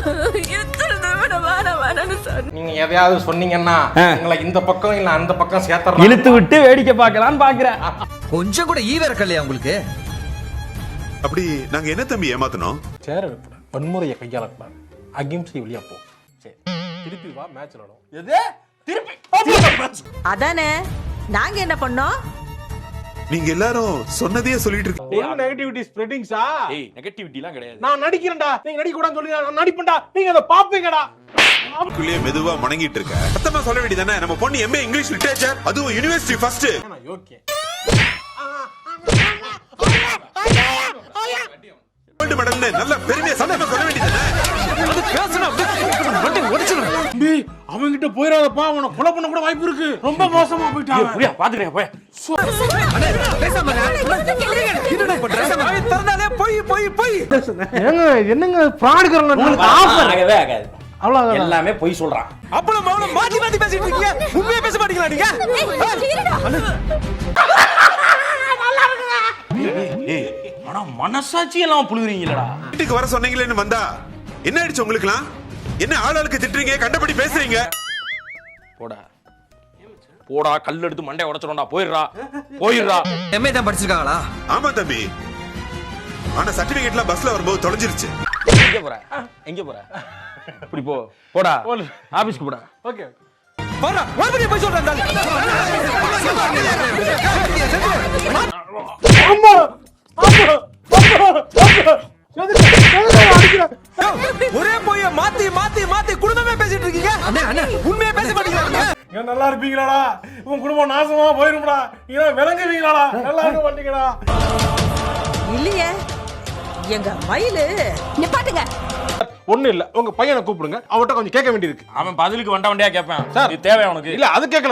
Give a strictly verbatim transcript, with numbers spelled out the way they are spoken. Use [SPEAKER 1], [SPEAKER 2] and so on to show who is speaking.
[SPEAKER 1] நீங்க எதையாவது சொன்னீங்கன்னா உங்களை இந்த பக்கம் இல்ல அந்த பக்கம் சேர்த்து
[SPEAKER 2] இழுத்து விட்டு வேடிக்கை பார்க்கலான்னு பாக்குறேன்.
[SPEAKER 3] கொஞ்சம் கூட ஈ வேறக்கலையா உங்களுக்கு?
[SPEAKER 4] அப்படி நாங்க என்ன தம்பி ஏமாத்தணும்?
[SPEAKER 1] சேர வைப்பட வன்முறையை கையாளக்கூடாது, அகிம்சை வழியா போ. சரி திருப்பி வா, மேட்ச் விளையாடும். எது திருப்பி
[SPEAKER 5] அதானே நாங்க என்ன பண்ணோம்?
[SPEAKER 4] நீங்க எல்லாரும் சொன்னதையே சொல்லிட்டு இருக்கீங்க.
[SPEAKER 1] நெகட்டிவிட்டி ஸ்ப்ரெடிங்ஸா?
[SPEAKER 2] ஏய் நெகட்டிவிட்டிலாம் கிடையாது.
[SPEAKER 1] நான் நடிக்கிறேன்டா, நீங்க நடிக்க கூடாதுன்னு சொல்லி நான் நடிப்பேன்டா, நீங்க அத பாப்பீங்கடா.
[SPEAKER 4] அதுக்குள்ளே மெதுவா மணங்கிட்டு இருக்க. சத்தமா சொல்ல வேண்டியதானே, நம்ம பொண்ணு எம்ஏ இங்கிலீஷ் லிட்டரேச்சர், அதுவும் யுனிவர்சிட்டி ஃபர்ஸ்ட்.
[SPEAKER 1] ஓகே
[SPEAKER 4] கோல்ட் மெடல்னு நல்ல பெருமையா சத்தமா சொல்ல வேண்டியதானே.
[SPEAKER 2] அது பேசணும் அப்படியே உடைச்சிடுறேன்.
[SPEAKER 1] தம்பி அவங்க கிட்ட போயிராதப்பா, அவன கொலை பண்ண கூட வாய்ப்பு இருக்கு. ரொம்ப மோசமா போயிட்டான்.
[SPEAKER 2] புரியா பாத்துக்கறேன் போய். அண்ணே பேசாம என்னடா பண்ற? பேசாம தரனாலே போய் போய் போய்.
[SPEAKER 1] ஏங்க என்னங்க ஃப்ராட் கரல, உங்களுக்கு ஆஃபர்
[SPEAKER 2] ஆகவே ஆகாது.
[SPEAKER 1] அவ்வளவு
[SPEAKER 2] எல்லாமே போய் சொல்றான். அப்பள மவள மாத்தி மாத்தி பேசிட்டு இருக்கீங்க. உண்மையா பேச மாட்டீங்களா நீங்க? ஏய் ஆனா மனசாட்சி எல்லாம் புழுகுறீங்களடா.
[SPEAKER 4] வீட்டுக்கு வர சொன்னீங்களேன்னு வந்தா என்ன ஆயிடுச்சு உங்களுக்குலாம்? என்ன ஆளாளுக்கு திட்டுறீங்க, கண்டபடி பேசுறீங்க?
[SPEAKER 2] போடா போடா, கல் எடுத்து மண்டைய உடைச்சிரோம்டா. போயிடுறா போயிடுறா.
[SPEAKER 3] எம்ஏ தான் படிச்சிருக்காங்களா?
[SPEAKER 4] ஆமா தம்பி, ஆனா சர்டிபிகேட்லாம் பஸ்ல வரும்போது தொலைஞ்சிருச்சு.
[SPEAKER 2] எங்க போற எங்க போற? இப்படி போ போடா, ஆபீஸ்க்கு போடா.
[SPEAKER 1] ஓகே
[SPEAKER 2] போடா, மறுபடியும் போய் சொல்றேன்.
[SPEAKER 1] அம்மா
[SPEAKER 2] ஒரே போய் மாத்தி மாத்தி மாத்தி குடும்பமே பேசிட்டு இருக்கீங்க.
[SPEAKER 3] அண்ணே அண்ணே
[SPEAKER 2] உண்மையா பேச மாட்டீங்களா?
[SPEAKER 1] நல்லா இருப்பீங்களாடா? உன் குடும்பம் நாசமா போயிரும்டா. நீங்க விளங்குவீங்களாடா? நல்லா இருக்க மாட்டீங்கடா.
[SPEAKER 5] இல்லையே எங்க மயிலு நிப்பாட்டுங்க.
[SPEAKER 1] ஒண்ணு இல்ல, உங்க பையனை கூப்பிடுங்க, அவட்ட கொஞ்சம் கேட்க வேண்டியிருக்கு.
[SPEAKER 2] அவன் பதிலுக்கு வண்ட வண்டியா கேட்பான்.
[SPEAKER 1] சார்
[SPEAKER 2] இது தேவை அவனுக்கு.
[SPEAKER 1] இல்ல அது கேட்கல.